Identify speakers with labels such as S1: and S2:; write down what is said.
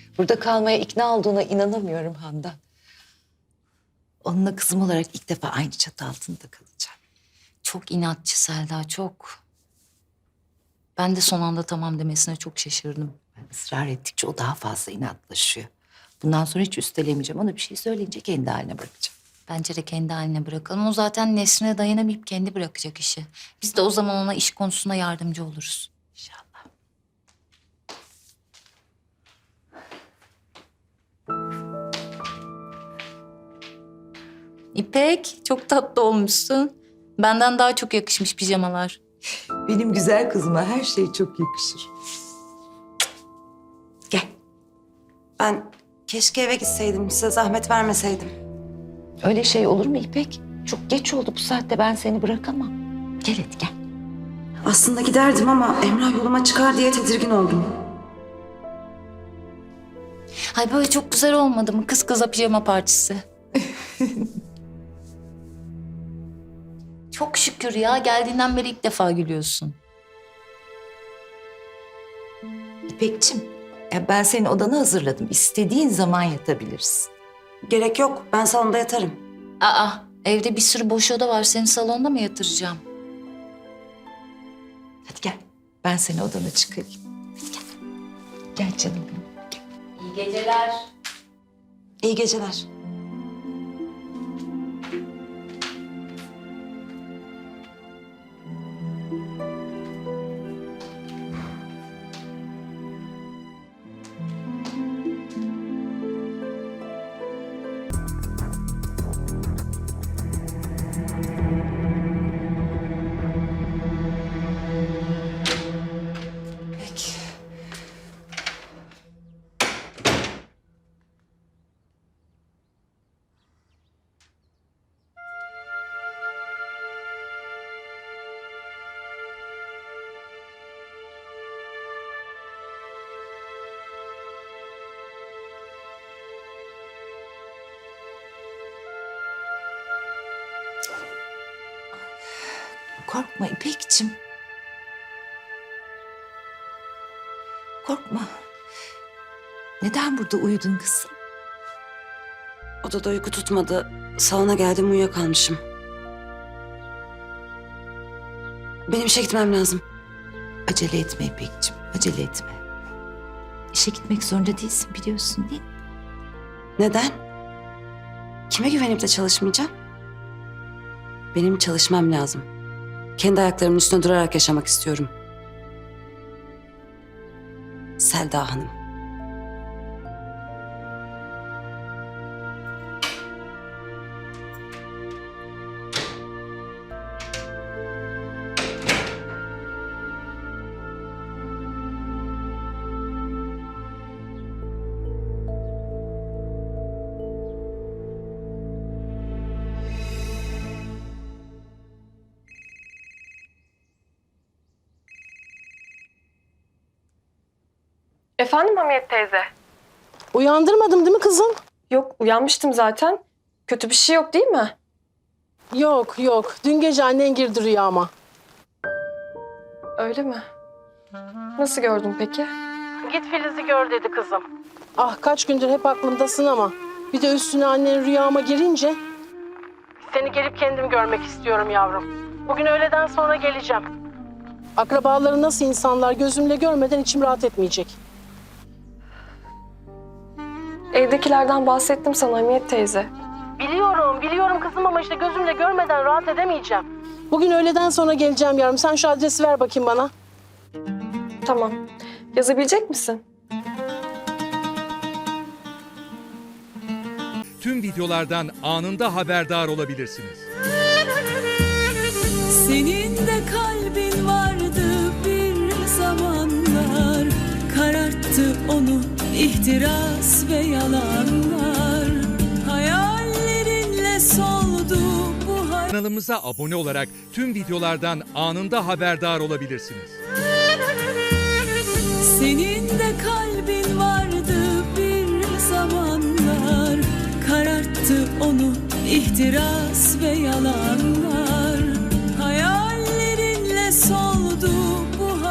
S1: Burada kalmaya ikna olduğuna inanamıyorum Handan. Onunla kızım olarak ilk defa aynı çatı altında kalacağım.
S2: Çok inatçı Selda, çok. Ben de son anda tamam demesine çok şaşırdım.
S1: Ben ısrar ettikçe o daha fazla inatlaşıyor. Bundan sonra hiç üstelemeyeceğim. Ona bir şey söyleyince kendi haline bırakacağım.
S2: Bence de kendi haline bırakalım. O zaten Nesrin'e dayanamayıp kendi bırakacak işi. Biz de o zaman ona iş konusunda yardımcı oluruz.
S1: İnşallah.
S2: İpek, çok tatlı olmuşsun. Benden daha çok yakışmış pijamalar.
S1: Benim güzel kızıma her şey çok yakışır. Gel.
S3: Ben keşke eve gitseydim, size zahmet vermeseydim.
S1: Öyle şey olur mu İpek? Çok geç oldu, bu saatte ben seni bırakamam. Gel hadi gel.
S3: Aslında giderdim ama Emrah yoluma çıkar diye tedirgin oldum.
S2: Ay böyle çok güzel olmadı mı? Kız kıza pijama partisi. Çok şükür ya. Geldiğinden beri ilk defa gülüyorsun.
S1: İpekçim, ya ben senin odanı hazırladım. İstediğin zaman yatabilirsin.
S3: Gerek yok, ben salonda yatarım.
S2: Aa, evde bir sürü boş oda var. Seni salonda mı yatıracağım?
S1: Hadi gel, ben seni odana çıkarayım. Hadi gel. Gel canım benim. Gel.
S2: İyi geceler.
S3: İyi geceler. Peki.
S1: Korkma İpekçim. Korkma. Neden burada uyudun kızım?
S3: Odada uyku tutmadı. Salona geldim, uyuyakalmışım. Benim işe gitmem lazım.
S1: Acele etme İpekçim, acele etme. İşe gitmek zorunda değilsin, biliyorsun değil mi?
S3: Neden? Kime güvenip de çalışmayacağım? Benim çalışmam lazım. Kendi ayaklarımın üstüne durarak yaşamak istiyorum. Selda Hanım.
S4: Efendim Hamiyet teyze?
S5: Uyandırmadım değil mi kızım?
S4: Yok, uyanmıştım zaten. Kötü bir şey yok değil mi?
S5: Yok yok. Dün gece annen girdi rüyama.
S4: Öyle mi? Nasıl gördün peki?
S5: Git Filiz'i gör dedi kızım. Ah kaç gündür hep aklımdasın ama. Bir de üstüne annen rüyama girince. Seni gelip kendim görmek istiyorum yavrum. Bugün öğleden sonra geleceğim. Akrabaları nasıl insanlar gözümle görmeden içim rahat etmeyecek.
S4: Evdekilerden bahsettim sana Hamiyet teyze.
S5: Biliyorum kızım ama işte gözümle görmeden rahat edemeyeceğim. Bugün öğleden sonra geleceğim yavrum. Sen şu adresi ver bakayım bana.
S4: Tamam. Yazabilecek misin?
S6: Tüm videolardan anında haberdar olabilirsiniz.
S7: Senin de kalbin vardı bir zamanlar, kararttı onu ihtiras ve yalanlar. Hayallerinle soldu bu
S6: Kanalımıza abone olarak tüm videolardan anında haberdar olabilirsiniz.
S7: Senin de kalbin vardı bir zamanlar, kararttı onu ihtiras ve yalanlar.